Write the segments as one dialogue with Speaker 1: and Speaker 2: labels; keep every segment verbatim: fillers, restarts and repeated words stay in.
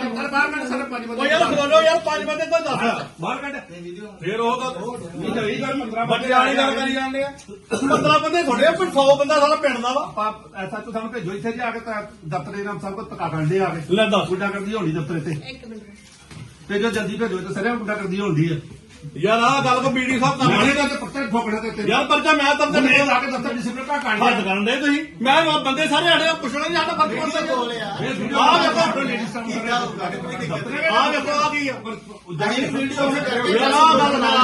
Speaker 1: यार बोलो यार पांच बंदे तो दस बाहर कट फिर वो बच्चे वाली गल करी जाने पंद्रह बंदे थोड़े पर सौ बंदा सारा पिंड दा वा
Speaker 2: ऐसा तो सानू भेजो इत्थे जा के दफ्तर नाम सब को धक्का करदे आ के
Speaker 1: ले दस
Speaker 2: गुंडा करदी होनी दफ्तर ते ते जो जल्दी भेजो तो सरे गुंडा करदी होंदी है
Speaker 1: यार आ गल को बीडी साहब कर
Speaker 2: माने का पत्थर ठोकड़ा ते
Speaker 1: यार परचा मैं तब तक
Speaker 2: मैं जाके दफ्तर डिसिप्लिन का काट
Speaker 1: हद करन दे तुसी मैं बंदे सारे आड़े पुछना नहीं आता फर्क पड़ता आ देखो आ देखो आ गई वीडियो यार आ गल ना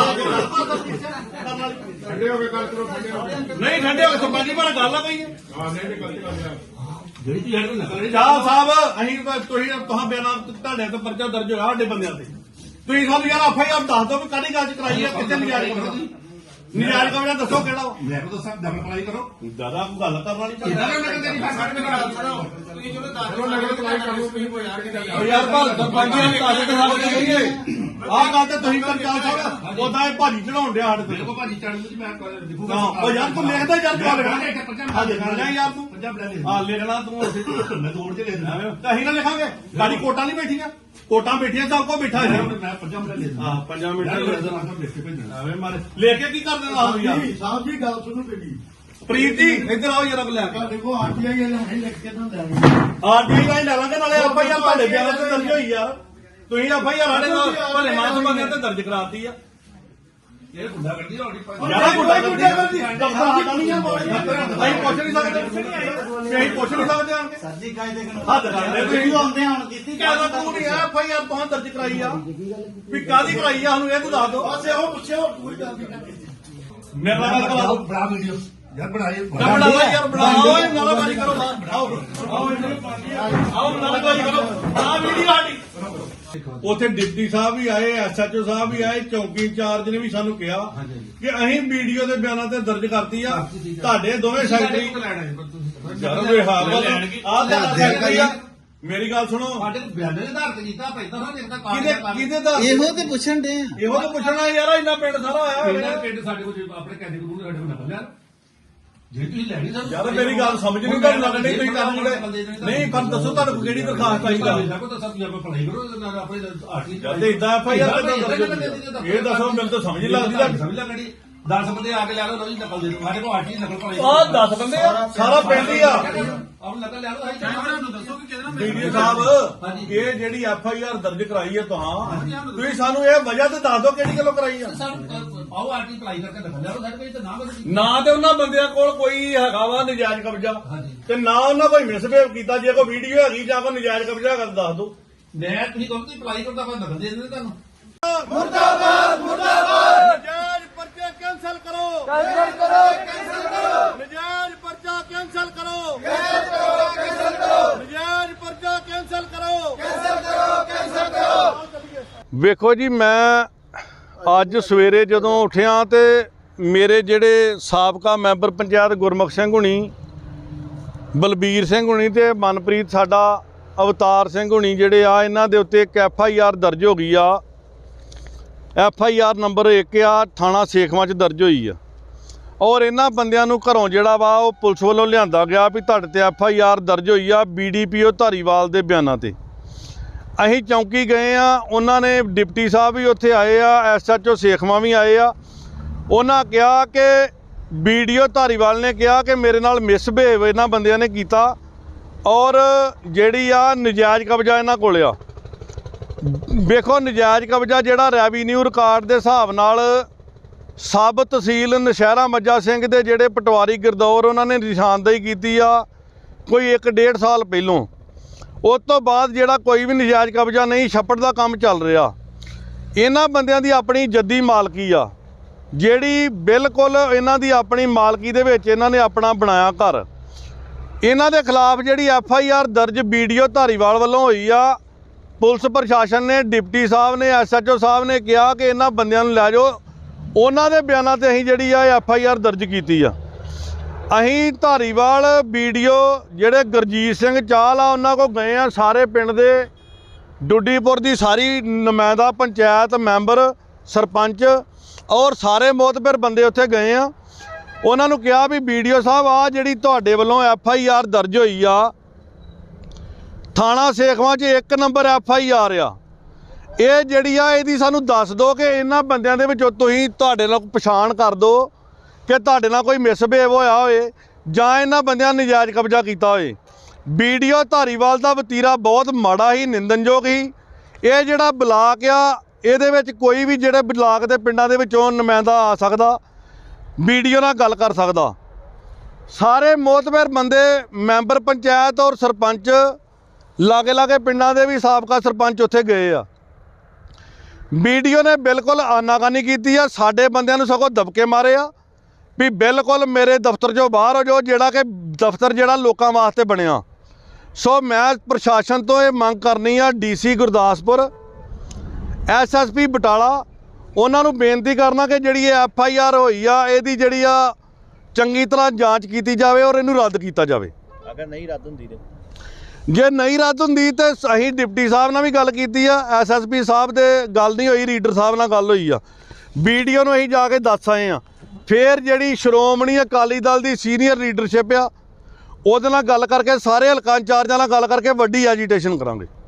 Speaker 2: ठंडे हो गए गल करो ठंडे हो
Speaker 1: नहीं ठंडे हो सरपंच पर गल आ गई है
Speaker 2: हां नहीं गलती कर रहा
Speaker 1: ਜਿਹੜੀ ਚੀਜ਼ ਹਟ ਨਾ ਸਾਹਿਬ ਸਾਹਿਬ ਅਸੀਂ ਤੁਸੀਂ ਤੁਹਾਂ ਬਿਆਨਾਂ ਤੁਹਾਡੇ ਤੇ ਪਰਚਾ ਦਰਜ ਹੋਇਆ ਸਾਡੇ ਬੰਦਿਆਂ ਤੇ ਤੁਸੀਂ ਸਾਨੂੰ ਯਾਰ ਆਫ ਆਈ ਆਰ ਦੱਸ ਦਿਓ ਵੀ ਕਾਹਦੀ ਗੱਲ ਚ ਕਰਾਈ ਹੈ ਕਿੱਥੇ ਨਜਾਇਜ਼ ਕਬਜ਼ਾ ਨਜਾਇਜ਼ ਕਬਜ਼ਾ ਦੱਸੋ ਕਿਹੜਾ ਵਾ
Speaker 2: मैं को दसा डबल अप्लाई करो
Speaker 1: ਦਾਦਾ ਕੋਈ ਗੱਲ ਕਰਨ ਵਾਲੀ
Speaker 2: इधर नगर तेरी बात करने का करो ਤੁਸੀਂ ਜਦੋਂ ਦੱਸ ਦਿਓ ਨਗਰ ਅਪਲਾਈ ਕਰੋ ਤੁਸੀਂ ਕੋਈ ਯਾਰ ਕੀ
Speaker 1: ਉਹ ਯਾਰ ਭਾਲ ਸਰਪੰਚ ਨੇ ਕਾਸੇ ਤੇ ਹੱਲ ਕਰੀਏ ਆਹ ਗੱਲ ਤੇ ਤੁਸੀਂ ਪੰਚਾਇਤ ਸਾਹਿਬ ਉਹਦਾ ਇਹ ਭਾਜੀ ਚੜਾਉਣ ਡਿਆ ਸਾਡੇ
Speaker 2: ਮੇਰੇ ਕੋ ਭਾਜੀ ਚੜਨ ਨੂੰ ਮੈਂ ਲਿਖੂਗਾ
Speaker 1: ਉਹ ਯਾਰ ਤੂੰ ਲਿਖਦਾ ਯਾਰ ਕਿਉਂ ਲਿਖਣਾ ਆ ਲਿਖਣਾ ਯਾਰ ਤੂੰ
Speaker 2: ਪੰਜਾਬ ਲੈ ਲੈ
Speaker 1: ਹਾਂ ਲਿਖਣਾ ਤੂੰ
Speaker 2: ਮੈਂ ਤੋੜ ਕੇ ਲੈ ਲੈਣਾ
Speaker 1: ਅਸੀਂ ਨਾ ਲਿਖਾਂਗੇ ਗਾੜੀ ਕੋਟਾਂ ਨਹੀਂ ਬੈਠੀਆਂ ਕੋਟਾਂ ਬੈਠੀਆਂ ਸਭ ਕੋ ਬੈਠਾ ਹੈ
Speaker 2: ਮੈਂ ਪੰਜਾਬ ਲੈ ਲੈਣਾ
Speaker 1: ਹਾਂ ਪੰਜਾਂ ਮਿੰਟਾਂ
Speaker 2: ਮੈਂ
Speaker 1: ਦੇ
Speaker 2: ਲਿਖ ਕੇ ਭੇਜਣਾ
Speaker 1: ਐਵੇਂ ਮਾਰੇ ਲੈ ਕੇ ਕੀ ਕਰ ਦੇਣਾ ਆਹ ਯਾਰ
Speaker 2: ਸਾਹਿਬ ਜੀ ਗੱਲ ਸੁਣੋ ਮੇਰੀ
Speaker 1: ਪ੍ਰੀਤ ਜੀ ਇੱਧਰ ਆਓ ਜਰਾ ਲੈ ਕੇ
Speaker 2: ਦੇਖੋ ਆਰਟੀਆਈ ਵਾਲੇ ਹੁਣੇ ਲਿਖ ਕੇ ਤਾਂ ਲੈ
Speaker 1: ਆਰਟੀ ਦਾ ਹੀ ਲੈ ਲਾਂਗੇ ਨਾਲੇ ਆਪਾਂ ਯਾਰ ਤੁਹਾਡੇ ਬਿਆਨਾਂ ਤੇ ਦਰਜ ਹੋਈ ਯਾਰ ਤੁਸੀਂ ਆਪਾਂ ਯਾਰ ਸਾਡੇ ਨਾਲ ਭਲੇ ਮਾਸ ਬੰਦਿਆਂ ਤੇ ਦਰਜ ਕਰਾਤੀ ਆ
Speaker 2: ਇਹ ਗੁੰਡਾ ਕਰਦੀ ਹੋਣੀ
Speaker 1: ਯਾਰ ਗੁੱਡਾ ਗੁੱਡਾ ਕਰਦੀ ਦਫਤਰ ਸਾਡਾ ਨਹੀਂ ਆ ਅਸੀਂ ਪੁੱਛ ਨਹੀਂ ਸਕਦੇ ਅਸੀਂ ਪੁੱਛ ਨਹੀਂ ਸਕਦੇ ਆਣ ਕੇ
Speaker 3: ਸਰ ਜੀ ਕਾਇਦੇ ਕਾਨੂੰਨ
Speaker 1: ਹੱਦ ਕਰਦੇ ਤੁਸੀਂ
Speaker 3: ਆਉਂਦੇ ਹੁਣ ਕੀਤੀ
Speaker 1: ਕਹਿੰਦਾ ਤੂੰ ਨਹੀਂ ਆ ਭਾਈ ਯਾਰ ਤੂੰ ਦਰਜ ਕਰਾਈ ਆ ਵੀ ਕਾਦੀ ਕਰਾਈ ਆ ਸਾਨੂੰ ਇਹ ਤੂੰ ਦੱਸ ਦੋ
Speaker 2: ਬਸ ਇਹੋ ਪੁੱਛਿਓ ਕੋਈ ਗੱਲ ਨਹੀਂ
Speaker 1: ਮੇਰੇ ਨਾਲ ਗੱਲ ਕਰਾ ਦੋ
Speaker 2: ਬੜਾ ਵੀਡੀਓ ਯਾਰ ਬਣਾਏ
Speaker 1: ਬਣਾ ਯਾਰ ਬਣਾਓ ਓਏ ਨਾਲਾਬਾਜ਼ੀ ਕਰੋ ਬਾਹਰ ਆਓ ਆਓ ਆਓ ਨਾਲਾਬਾਜ਼ੀ ਕਰੋ ਆ ਵੀਡੀਓ ਸਾਡੀ ਉੱਥੇ ਡਿਪਟੀ ਸਾਹਿਬ ਵੀ ਆਏ ਐਸਐਚਓ ਸਾਹਿਬ ਵੀ ਆਏ ਚੌਕੀ ਇੰਚਾਰਜ ਨੇ ਵੀ ਸਾਨੂੰ ਕਿਹਾ ਕਿ ਅਸੀਂ ਵੀਡੀਓ ਦੇ ਬਿਆਨਾਂ ਤੇ ਦਰਜ ਕਰਤੀ ਆ ਤੁਹਾਡੇ ਦੋਵੇਂ ਸੈਕਟਰੀ ਯਾਰ ਵੇ ਹਾਂ ਆਹ ਤਾਂ ਸੈਕਟਰੀ ਆ ਮੇਰੀ ਗੱਲ ਸੁਣੋ
Speaker 2: ਸਾਡੇ ਬਿਆਨਾਂ ਦੇ ਆਧਾਰ ਤੇ ਕੀਤਾ ਪੈਦਾ ਨਾ ਦੇਖਦਾ
Speaker 1: ਕਿਹਦੇ ਕਿਹਦੇ ਦਾ
Speaker 3: ਇਹੋ ਤੇ ਪੁੱਛਣ ਦੇ
Speaker 1: ਇਹੋ ਤਾਂ ਪੁੱਛਣਾ ਯਾਰ ਇੰਨਾ ਪਿੰਡ ਸਾਰਾ ਆਇਆ
Speaker 2: ਇਹਨਾਂ ਪਿੰਡ ਸਾਡੇ ਕੋਲ ਆਪਣੇ ਕੈਂਡੇ ਕੋਲ ਸਾਡੇ ਕੋਲ ਨਕਲ ਲਿਆ ਜੇ ਤੁਸੀਂ ਲੈਣੀ ਸਰ
Speaker 1: ਯਾਰ ਮੇਰੀ ਗੱਲ ਸਮਝ ਨਹੀਂ ਤੁਹਾਨੂੰ ਲੱਗਣੀ ਤੁਸੀਂ ਕੰਮ ਨਹੀਂ ਪਰ ਦੱਸੋ ਤੁਹਾਨੂੰ ਕਿਹੜੀ ਦਰਖਾਸਤ ਆਈ ਗੱਲ
Speaker 2: ਕੋ ਤਾਂ ਸਭ ਤੁਸੀਂ ਅਪਲਾਈ ਕਰੋ ਨਾ ਆਪਣੇ ਆਰਟੀ
Speaker 1: ਜਦ ਇਦਾਂ ਐਫ ਆਈ ਆਰ ਇਹ ਦੱਸੋ ਮੈਨੂੰ ਤਾਂ ਸਮਝ ਨਹੀਂ ਲੱਗਦੀ
Speaker 2: ਸਮਝ ਲੈ ਕੜੀ ਦਸ ਬੰਦੇ ਆ ਕੇ ਲੈ ਲਓ ਲਓ ਜੀ ਨਕਲ ਦੇ ਦਿਓ ਸਾਡੇ ਕੋਲ ਆਰਟੀ ਨਕਲ ਭਰਾਈ
Speaker 1: ਆਹ ਦਸ ਬੰਦੇ ਆ ਸਾਰਾ ਪਿੰਡ ਹੀ ਆ
Speaker 2: ਆਪ ਨਕਲ ਲੈ ਲਓ ਅਸੀਂ ਚਾਹਾਂ ਨੂੰ ਦੱਸੋ ਕਿ ਕਿਹਦੇ ਨਾਲ
Speaker 1: ਵੀਡੀਓ ਸਾਹਿਬ ਇਹ ਜਿਹੜੀ ਐਫ ਆਈ ਆਰ ਦਰਜ ਕਰਾਈ ਹੈ ਤੁਹਾਂ ਤੁਸੀਂ ਸਾਨੂੰ ਇਹ ਵਜ੍ਹਾ ਤੇ ਦੱਸ ਦਿਓ ਕਿਹੜੀ ਗੱਲੋਂ ਕਰਾਈ ਆ
Speaker 2: ਆਓ ਆਰਟੀ ਅਪਲਾਈ ਕਰਕੇ ਨਕਲ ਲੈ ਲਓ ਸਾਡੇ ਕੋਲ ਤਾਂ ਨਾ ਬਦਲੀ
Speaker 1: ਨਾ ਤੇ ਉਹਨਾਂ ਬੰਦਿਆਂ ਕੋਲ ਕੋਈ ਹੈਗਾ ਵਾ ਨਜਾਇਜ਼ ਕਬਜ਼ਾ ਤੇ ਨਾ ਉਹਨਾਂ ਕੋਈ ਮਿਸਬਿਹੇਵ ਕੀਤਾ ਜੇ ਕੋਈ ਵੀਡੀਓ ਹੈਗੀ ਜਾਂ ਕੋਈ ਨਜਾਇਜ਼ ਕਬਜ਼ਾ ਕਰ ਦੱਸ ਦਿਓ
Speaker 2: ਮੈਂ ਤੁਸੀਂ ਕਹੋ ਤੁਸੀਂ ਅਪਲਾਈ ਕਰੋ ਤਾਂ ਆਪਾਂ ਨਕਲ ਦੇ ਦਿੰਦੇ ਤੁਹਾਨੂੰ
Speaker 1: ਮੁਰਦਾਬਾਦ ਮੁਰਦਾਬਾਦ ਨਜਾਇਜ਼ ਪਰਚੇ ਕੈਂਸਲ ਕਰੋ ਕੈਂਸਲ ਕਰੋ ਕੈਂਸਲ ਕਰੋ ਨਜਾਇਜ਼ ਪਰਚਾ ਕੈਂਸਲ ਕਰੋ ਕੈਂਸਲ ਕਰੋ ਕੈਂਸਲ ਕਰੋ ਨਜਾਇਜ਼ ਪਰਚਾ ਕੈਂਸਲ ਕਰੋ ਕੈਂਸਲ ਕਰੋ ਕੈਂਸਲ ਕਰੋ ਵੇਖੋ ਜੀ ਮੈਂ ਅੱਜ ਸਵੇਰੇ ਜਦੋਂ ਉੱਠਿਆ ਤੇ ਮੇਰੇ ਜਿਹੜੇ ਸਾਬਕਾ ਮੈਂਬਰ ਪੰਚਾਇਤ ਗੁਰਮੁਖ ਸਿੰਘ ਹੁਣੀ ਬਲਬੀਰ ਸਿੰਘ ਹੁਣੀ ਤੇ ਮਨਪ੍ਰੀਤ ਸਾਡਾ ਅਵਤਾਰ ਸਿੰਘ ਹੁਣੀ ਜਿਹੜੇ ਆ ਇਹਨਾਂ ਦੇ ਉੱਤੇ ਇੱਕ ਐਫ ਆਈ ਆਰ ਦਰਜ ਹੋ ਗਈ ਆ ਐਫ ਆਈ ਆਰ ਨੰਬਰ ਇੱਕ ਆ ਥਾਣਾ ਸੇਖਵਾਂ 'ਚ ਦਰਜ ਹੋਈ ਆ ਔਰ ਇਹਨਾਂ ਬੰਦਿਆਂ ਨੂੰ ਘਰੋਂ ਜਿਹੜਾ ਵਾ ਉਹ ਪੁਲਿਸ ਵੱਲੋਂ ਲਿਆਂਦਾ ਗਿਆ ਵੀ ਤੁਹਾਡੇ ਤੇ ਐਫ ਆਈ ਆਰ ਦਰਜ ਹੋਈ ਆ B D P O Dhariwal ਦੇ ਬਿਆਨਾਂ ਤੇ ਅਸੀਂ ਚੌਂਕੀ ਗਏ ਆ ਉਹਨਾਂ ਨੇ ਡਿਪਟੀ ਸਾਹਿਬ ਵੀ ਉੱਥੇ ਆਏ ਆ ਐਸ ਐਚ ਓ ਸੇਖਵਾਂ ਵੀ ਆਏ ਆ ਉਹਨਾਂ ਕਿਹਾ ਕਿ ਬੀ ਡੀ ਓ ਧਾਰੀਵਾਲ ਨੇ ਕਿਹਾ ਕਿ ਮੇਰੇ ਨਾਲ ਮਿਸਬਿਹੇਵ ਇਹਨਾਂ ਬੰਦਿਆਂ ਨੇ ਕੀਤਾ ਔਰ ਜਿਹੜੀ ਆ ਨਜਾਇਜ਼ ਕਬਜ਼ਾ ਇਹਨਾਂ ਕੋਲ ਆ ਵੇਖੋ ਨਜਾਇਜ਼ ਕਬਜ਼ਾ ਜਿਹੜਾ ਰੈਵੀਨਿਊ ਰਿਕਾਰਡ ਦੇ ਹਿਸਾਬ ਨਾਲ ਸਬ ਤਹਿਸੀਲ ਨਸ਼ਹਿਰਾ ਮੱਜਾ ਸਿੰਘ ਦੇ ਜਿਹੜੇ ਪਟਵਾਰੀ ਗਿਰਦੌਰ ਉਹਨਾਂ ਨੇ ਨਿਸ਼ਾਨਦੇਹੀ ਕੀਤੀ ਆ ਕੋਈ ਇੱਕ ਡੇਢ ਸਾਲ ਪਹਿਲੋਂ ਉਸ ਤੋਂ ਬਾਅਦ ਜਿਹੜਾ ਕੋਈ ਵੀ ਨਜਾਇਜ਼ ਕਬਜ਼ਾ ਨਹੀਂ ਛੱਪੜ ਦਾ ਕੰਮ ਚੱਲ ਰਿਹਾ ਇਹਨਾਂ ਬੰਦਿਆਂ ਦੀ ਆਪਣੀ ਜੱਦੀ ਮਾਲਕੀ ਆ ਜਿਹੜੀ ਬਿਲਕੁਲ ਇਹਨਾਂ ਦੀ ਆਪਣੀ ਮਾਲਕੀ ਦੇ ਵਿੱਚ ਇਹਨਾਂ ਨੇ ਆਪਣਾ ਬਣਾਇਆ ਘਰ ਇਹਨਾਂ ਦੇ ਖਿਲਾਫ ਜਿਹੜੀ ਐਫ ਆਈ ਆਰ ਦਰਜ ਬੀ ਡੀ ਓ ਧਾਰੀਵਾਲ ਵੱਲੋਂ ਹੋਈ ਆ ਪੁਲਿਸ ਪ੍ਰਸ਼ਾਸਨ ਨੇ ਡਿਪਟੀ ਸਾਹਿਬ ਨੇ ਐਸ ਐਚ ਓ ਸਾਹਿਬ ਨੇ ਕਿਹਾ ਕਿ ਇਹਨਾਂ ਬੰਦਿਆਂ ਨੂੰ ਲੈ ਜਾਓ ਉਹਨਾਂ ਦੇ ਬਿਆਨਾਂ ਤੇ ਅਸੀਂ ਜਿਹੜੀ ਆ ਐਫ ਆਈ ਆਰ ਦਰਜ ਕੀਤੀ ਆ ਅਸੀਂ ਧਾਰੀਵਾਲ ਬੀ ਡੀ ਓ ਜਿਹੜੇ ਗੁਰਜੀਤ ਸਿੰਘ ਚਾਹਲ ਆ ਉਹਨਾਂ ਕੋਲ ਗਏ ਆ ਸਾਰੇ ਪਿੰਡ ਦੇ ਡੁੱਡੀਪੁਰ ਦੀ ਸਾਰੀ ਨੁਮਾਇੰਦਾ ਪੰਚਾਇਤ ਮੈਂਬਰ ਸਰਪੰਚ ਔਰ ਸਾਰੇ ਮੋਤਬਰ ਬੰਦੇ ਉੱਥੇ ਗਏ ਆ ਉਹਨਾਂ ਨੂੰ ਕਿਹਾ ਵੀ ਬੀ ਡੀ ਓ ਸਾਹਿਬ ਆ ਜਿਹੜੀ ਤੁਹਾਡੇ ਵੱਲੋਂ ਐਫ ਆਈ ਆਰ ਦਰਜ ਹੋਈ ਆ ਥਾਣਾ ਸੇਖਵਾਂ 'ਚ ਇੱਕ ਨੰਬਰ ਐਫ ਆਈ ਆਰ ਆ। ਇਹ ਜਿਹੜੀ ਆ ਇਹਦੀ ਸਾਨੂੰ ਦੱਸ ਦਿਓ ਕਿ ਇਹਨਾਂ ਬੰਦਿਆਂ ਦੇ ਵਿੱਚੋਂ ਤੁਸੀਂ ਤੁਹਾਡੇ ਨਾਲ ਪਛਾਣ ਕਰ ਦਿਓ ਕਿ ਤੁਹਾਡੇ ਨਾਲ ਕੋਈ ਮਿਸਬਿਹੇਵ ਹੋਇਆ ਹੋਏ ਜਾਂ ਇਹਨਾਂ ਬੰਦਿਆਂ ਨੇ ਨਜਾਇਜ਼ ਕਬਜ਼ਾ ਕੀਤਾ ਹੋਏ। ਵੀਡੀਓ ਧਾਰੀਵਾਲ ਦਾ ਵਤੀਰਾ ਬਹੁਤ ਮਾੜਾ ਹੀ, ਨਿੰਦਨਯੋਗ ਹੀ। ਇਹ ਜਿਹੜਾ ਬਲਾਕ ਆ ਇਹਦੇ ਵਿੱਚ ਕੋਈ ਵੀ ਜਿਹੜੇ ਬਲਾਕ ਦੇ ਪਿੰਡਾਂ ਦੇ ਵਿੱਚੋਂ ਨੁਮਾਇੰਦਾ ਆ ਸਕਦਾ, ਵੀਡੀਓ ਨਾਲ ਗੱਲ ਕਰ ਸਕਦਾ। ਸਾਰੇ ਮੋਤਬਰ ਬੰਦੇ ਮੈਂਬਰ ਪੰਚਾਇਤ ਔਰ ਸਰਪੰਚ ਲਾਗੇ ਲਾਗੇ ਪਿੰਡਾਂ ਦੇ ਵੀ ਸਾਬਕਾ ਸਰਪੰਚ ਉੱਥੇ ਗਏ ਆ। ਵੀਡੀਓ ਨੇ ਬਿਲਕੁਲ ਆਨਾਕਾਨੀ ਕੀਤੀ ਆ, ਸਾਡੇ ਬੰਦਿਆਂ ਨੂੰ ਸਗੋਂ ਦਬਕੇ ਮਾਰੇ ਆ ਵੀ ਬਿਲਕੁਲ ਮੇਰੇ ਦਫ਼ਤਰ 'ਚੋਂ ਬਾਹਰ ਹੋ ਜਾਓ, ਜਿਹੜਾ ਕਿ ਦਫ਼ਤਰ ਜਿਹੜਾ ਲੋਕਾਂ ਵਾਸਤੇ ਬਣਿਆ। ਸੋ ਮੈਂ ਪ੍ਰਸ਼ਾਸਨ ਤੋਂ ਇਹ ਮੰਗ ਕਰਨੀ ਆ, D C Gurdaspur, S S P Batala, ਉਹਨਾਂ ਨੂੰ ਬੇਨਤੀ ਕਰਨਾ ਕਿ ਜਿਹੜੀ ਇਹ ਐਫ ਆਈ ਆਰ ਹੋਈ ਆ ਇਹਦੀ ਜਿਹੜੀ ਆ ਚੰਗੀ ਤਰ੍ਹਾਂ ਜਾਂਚ ਕੀਤੀ ਜਾਵੇ ਔਰ ਇਹਨੂੰ ਰੱਦ ਕੀਤਾ ਜਾਵੇ।
Speaker 3: ਅਗਰ ਨਹੀਂ ਰੱਦ ਹੁੰਦੀ ਤੇ
Speaker 1: ਜੇ ਨਹੀਂ ਰੱਦ ਹੁੰਦੀ ਤੇ ਅਸੀਂ ਡਿਪਟੀ ਸਾਹਿਬ ਨਾਲ ਵੀ ਗੱਲ ਕੀਤੀ ਆ, ਐਸ ਐਸ ਪੀ ਸਾਹਿਬ ਦੇ ਗੱਲ ਨਹੀਂ ਹੋਈ, ਰੀਡਰ ਸਾਹਿਬ ਨਾਲ ਗੱਲ ਹੋਈ ਆ। ਵੀਡੀਓ ਨੂੰ ਅਸੀਂ ਜਾ ਕੇ ਦੱਸ ਆਏ ਆ। ਫਿਰ ਜਿਹੜੀ ਸ਼੍ਰੋਮਣੀ ਅਕਾਲੀ ਦਲ ਦੀ ਸੀਨੀਅਰ ਲੀਡਰਸ਼ਿਪ ਆ ਉਹਦੇ ਨਾਲ ਗੱਲ ਕਰਕੇ ਸਾਰੇ ਹਲਕਾ ਇੰਚਾਰਜਾਂ ਨਾਲ ਗੱਲ ਕਰਕੇ ਵੱਡੀ ਐਜੀਟੇਸ਼ਨ ਕਰਾਂਗੇ।